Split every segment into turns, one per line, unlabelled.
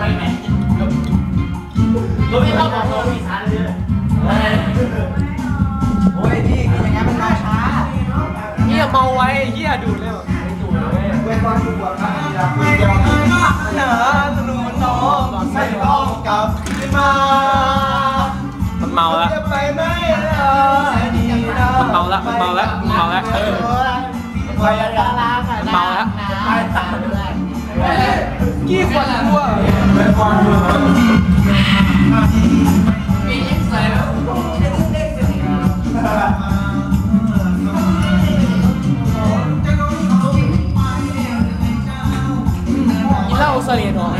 ไปไหนรถไม่เข้าบอกรถมีช้าเลย
โอ้ยพี่กินอย่างงี้มันมาช้า
เฮียเมาไว้เฮียดูดเลย
เว้นวันดูบวชครับไม่ยอมหนาสนุนน้องไม่ต้องกลับขึ้นมา
มันเมาแล้ว
ไปไม่
มันเมาแล้วมันเมาแล้วมันเมาแล้ว
ไปแล้ว
เมาแล้วกี่ขวดตัวกินเหล้าเสลียดหรอ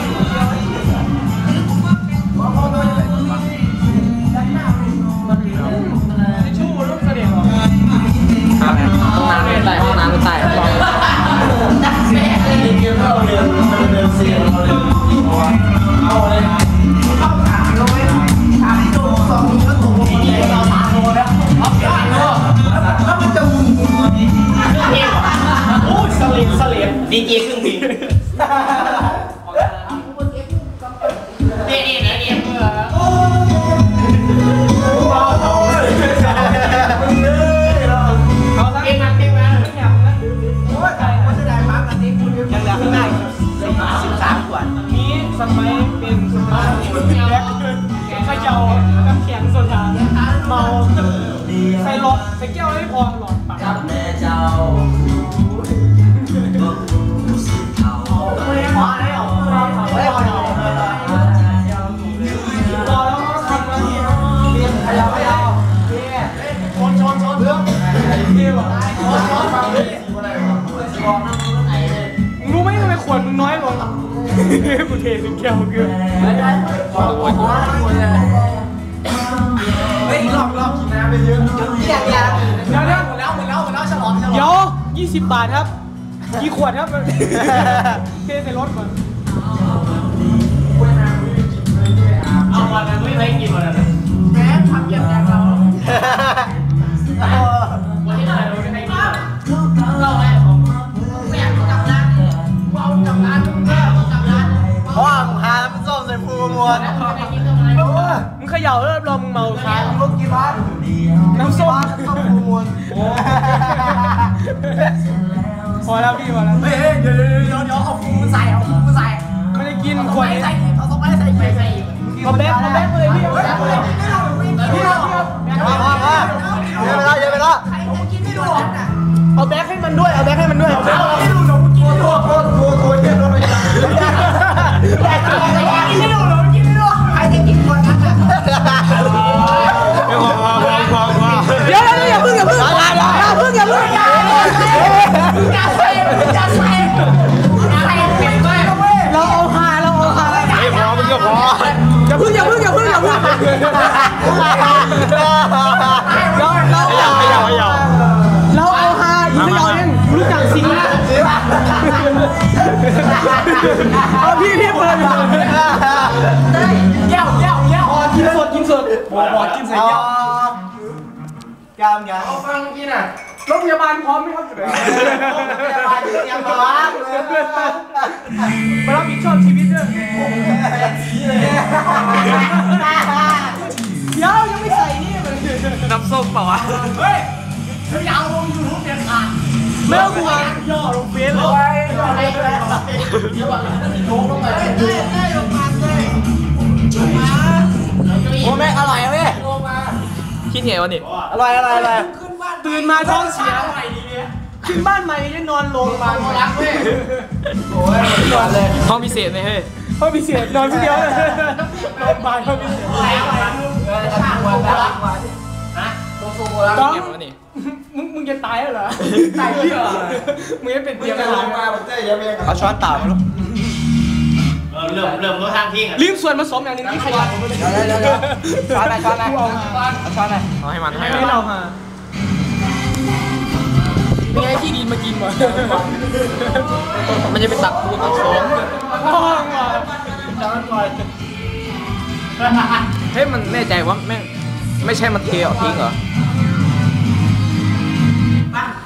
ชู้ลูกเสลียดหรอห้องน้ำไม่ใต้ห้องน้ำไม่ใต้
เอาเลยเข้าถามเราไว้ถามโดน2ทีก็ถูกเรา3โลแล้วเอาเปลี่ยนแล้วมันจะโอ้ยเสลียดดีเจครึ่งเพลง
เนี่ยเมื่อเก่งมาก
โอ้ยมันจะได้มากกันนี้คุณยังเหลือข้างหน้า13 ขวด
นี้สมัยเป็นสมัยแรกขย่าน้ำแข็งโซดาเมาใส่หลอดใส่แก้วไม่พอหลอดปาก
กับแม่เจ้า
รู้ไหมทำไมขวดมึงน้อยลงกูเทสิแก้วเกือบ
เฮ้ยรอบกินน้ำไปเยอะเดี๋ยวฉลอง
เดี๋ยว20 บาทครับกี่ขวดครับเทใส่รถก่อน
เอาวันนั้นไม่ได้กินวันนั้น
แม่ทำอย่างไรเรา
วันที่เราไม่ได้กินเราไงไม่อยากกลับร้านเอากลับร้านกลับร้าน
เพราะว่ามึงหาน้ำส้มใส่ฟูมวน
มึงเขย่าแล้วรอมึงเมาค้าง
ลูกกี่บาท
น้ำส้ม
ฟูมวน
พอแล้วพี่พอแล้ว
เฮ้ยเดี๋ยวเอาฟูมาใส่
ไม่ได้กินขวด
ใส่เอาส้มใส่
เอาแบกเลยพี่
เยอะไปแล้ว
เอาแบกให้มันด้วยเอาแบกให้มันด้วย
ไม่ดูหนูกินไม่ดูตัวเย็นรถไม่ได้กินไม่ดูหนูกินไม่ดูใครจะกินคนนั้น
เดี๋ยวอย่าเพิ่งอย่าเพิ่งเราเอาหา
ไม่พอมันก็พอ
อย่าเพิ่งเราเอาหาอีกไม่เอาเองรู้จักสิงห์เอาพี่เปิด
แก้ว
กินสดบอกกินใส่แก้ว
กามยาเอาฟังกินอ่ะ
รถพยาบาลพร้อมไหมครับ
ยังร้อนเลย
มารับผิดชอบชีวิตด้วยเดี๋ยวยังไม่ใส่นี่มันน้ำส้มเปล่าวะ
เฮ้ยยาวลงยูทูบเด็ดขาด
ไม่ต้องกลัวย่อลงเฟซเลย
โอ้แม่อร่อยเว้ย
คิดไงวะนี่
อร่อย
ตื่นมาท้องเสียขึ้นบ้านใหม่จะนอนลงมา
รักเว้ยโอ้ยนอนเลย
ห้องพิเศษเลยเฮ้ยห้องพิเศษนอนคนเดียวเลยนอนบ้านห้องพิเศษต้องมึงจะตายแล้วเหรอตายเหี้ยมึงจะเป็นเดียวกัน
เอาช้อนต่ามาลูก
เริ่มรถทางทิ้งอ่ะ
ลืมส่วนผสมอย่างนึงที่ขยัน
ช้อนไหนเอาช้อนไหน
เอาให้เราฮะมีไอ้ที่ดินมากินวะมันจะไปตักปูตักโซ่เฮ้ยมันแน่ใจว่าไม่ใช่มันเทออกทิ้งเหรอ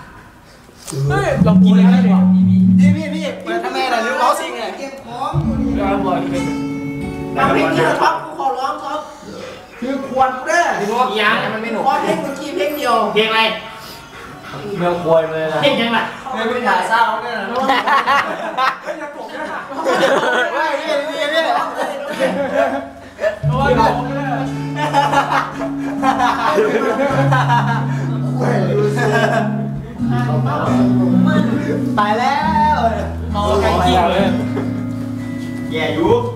เฮ้ยลองกินเลยได้ไหม
พี่เปิดทำไมล่ะหรือเอาสิงไงเก็บของทำเพลงนี้เหรอครับกูขอร้องครับคือควรเด้อ
ยัง
มันไม่หนุกขอเพลงเมื่อกี้เพลงเดียว
เพลงอะไร
เมืองควยเลยนะ
เพลงยังไง
ไม่ไปถ่ายเศร้าเนี่ยนะ
ตายแล้ว
เมาไก่กิ้งเลย
แย่ยุบ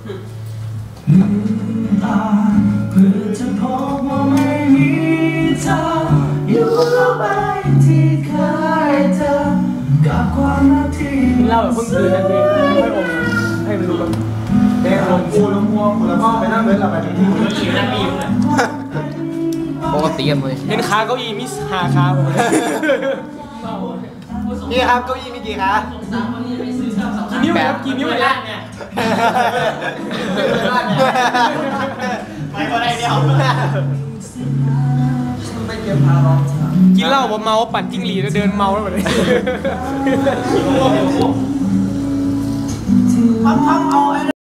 เพื่อจะพบว่าไม่มีเธออยู่แล้วไปที่เคยเจอกับความรักที่
กินเหล้าแบบเพิ่งตื่นทันทีไม่อมให้มันรู้แบบ
เด็กลงกูลงมัวกูละพ่อไปนั่งเล่นเราไปที่
ขี่นั่งมีอยู่เลย
ปกติกันเลย
เห็นขาเก้าอี้มี5ขาผม
นี่ครับเก้าอี้มีกี่ขา
กี่นิ้วครับกี่นิ้ว
ไม่
เนี่
ได้
ย
เนี่ยไปก็ได้เดียว
ไม่เก็บพาร้อง
กินเหล้าผมเมาปั่นจิ้งหรีดแล้วเดินเมาแล้วแบบนี้
ทำเอาไอ้